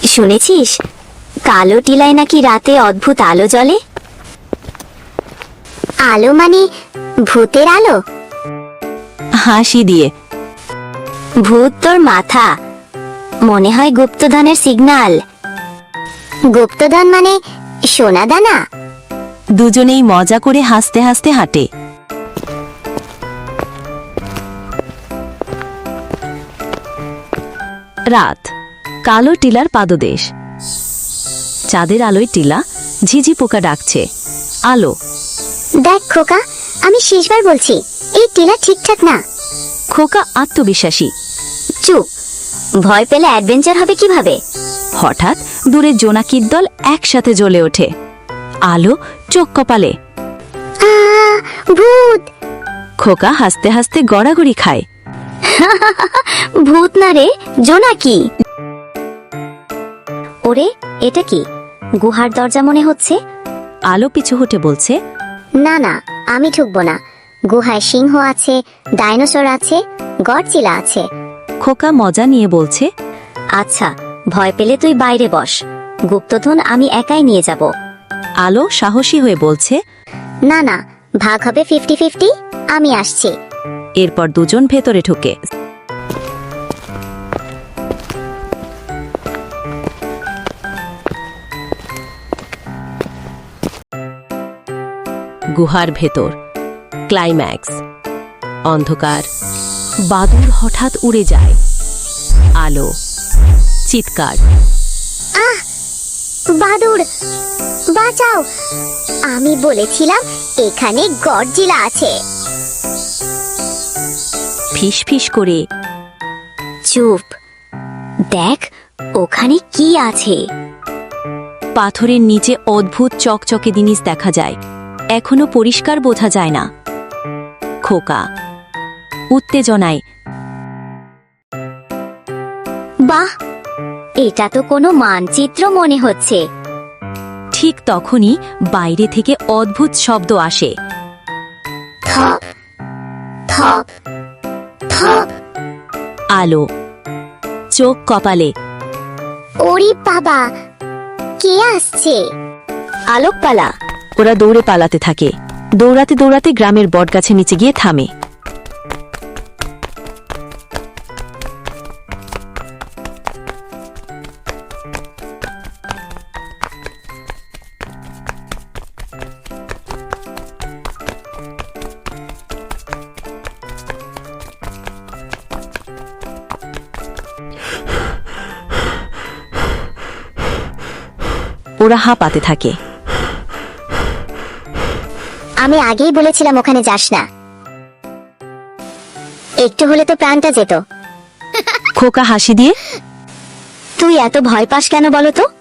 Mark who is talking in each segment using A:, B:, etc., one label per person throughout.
A: শুনেছিস কালো টিলায় নাকি রাতে অদ্ভুত আলো জ্বলে?
B: আলো মানে ভূতের আলো?
C: হাসি দিয়ে।
A: ভূত তোর মাথা, মনে হয় গুপ্তধনের সিগন্যাল।
B: গুপ্তধন মানে সোনা দানা?
C: দুজনেই মজা করে হাসতে হাসতে হাঁটে। রাত, কালো টিলার পাদদেশ। চাঁদের আলোয় টিলা, ঝিঝি পোকা ডাকছে। আলো।
B: দেখ খোকা, আমি শেষবার বলছি, এই টিলা ঠিকঠাক না।
C: খোকা আত্মবিশ্বাসী।
A: চুপ, ভয় পেলে অ্যাডভেঞ্চার হবে কিভাবে?
C: হঠাৎ দূরে জোনাকির দল একসাথে জ্বলে ওঠে। আলো, চোখ কপালে।
B: ভূত!
C: খোকা হাসতে হাসতে গড়াগড়ি খায়।
A: ভূত না রে, জোনাকি। ওরে, এটা কি? গুহার দরজা মনে হচ্ছে।
C: আলো পিছু হটে বলছে,
B: না না, আমি ঢুকবো না। গুহায় সিংহ আছে, ডাইনোসর আছে, গডজিলা আছে।
C: খোকা মজা নিয়ে বলছে,
A: আচ্ছা, ভয় পেলে তুই বাইরে বস, গুপ্তধন আমি একাই নিয়ে যাব।
C: আলো সাহসী হয়ে বলছে,
B: না না, ভাগ হবে 50-50, আমি আসছি।
C: এরপর দুজন ভেতরে ঢুকে। গুহার ভেতর ক্লাইম্যাক্স। অন্ধকার, বাদুড় হঠাৎ উড়ে যায়। আলো, চিৎকার।
B: বাদুড়, বাঁচাও! আমি বলেছিলাম এখানে গডজিলা আছে।
C: ফিস ফিস করে।
A: চুপ, দেখ ওখানে কি আছে।
C: পাথরের নিচে অদ্ভুত চকচকে জিনিস দেখা যায়, এখনো পরিষ্কার বোঝা যায় না। খোকা উত্তেজনায়,
A: বাহ, এটা তো কোনো মানচিত্র মনে হচ্ছে।
C: ঠিক তখনই বাইরে থেকে অদ্ভুত শব্দ আসে।
B: থপ থপ থপ।
C: আলো, চোখ কপালে।
B: ওরে বাবা, কে আসছে?
A: আলোকপালা।
C: ওরা দৌড়ে পালাতে থাকে। দৌড়াতে দৌড়াতে গ্রামের বটগাছের নিচে গিয়ে থামে। ওরা হাঁপাতে থাকে।
B: আমি আগেই বলেছিলাম ওখানে যাস না, একটু হলে তো প্রাণটা যেত।
C: খোকা হাসি দিয়ে,
A: তুই এত ভয় পাস কেন বলো তো?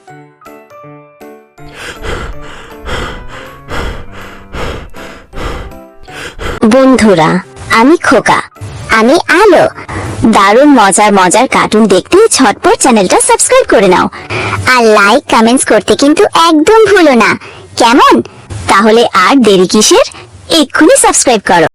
A: বন্ধুরা, আমি খোকা।
B: আমি আলো।
A: দারুণ মজার মজার কার্টুন দেখতে ঝটপট চ্যানেলটা সাবস্ক্রাইব করে নাও।
B: আর লাইক কমেন্টস করতে কিন্তু একদম ভুলো না, কেমন?
A: তাহলে আর দেরি কিসের, এক্ষুনি সাবস্ক্রাইব করো।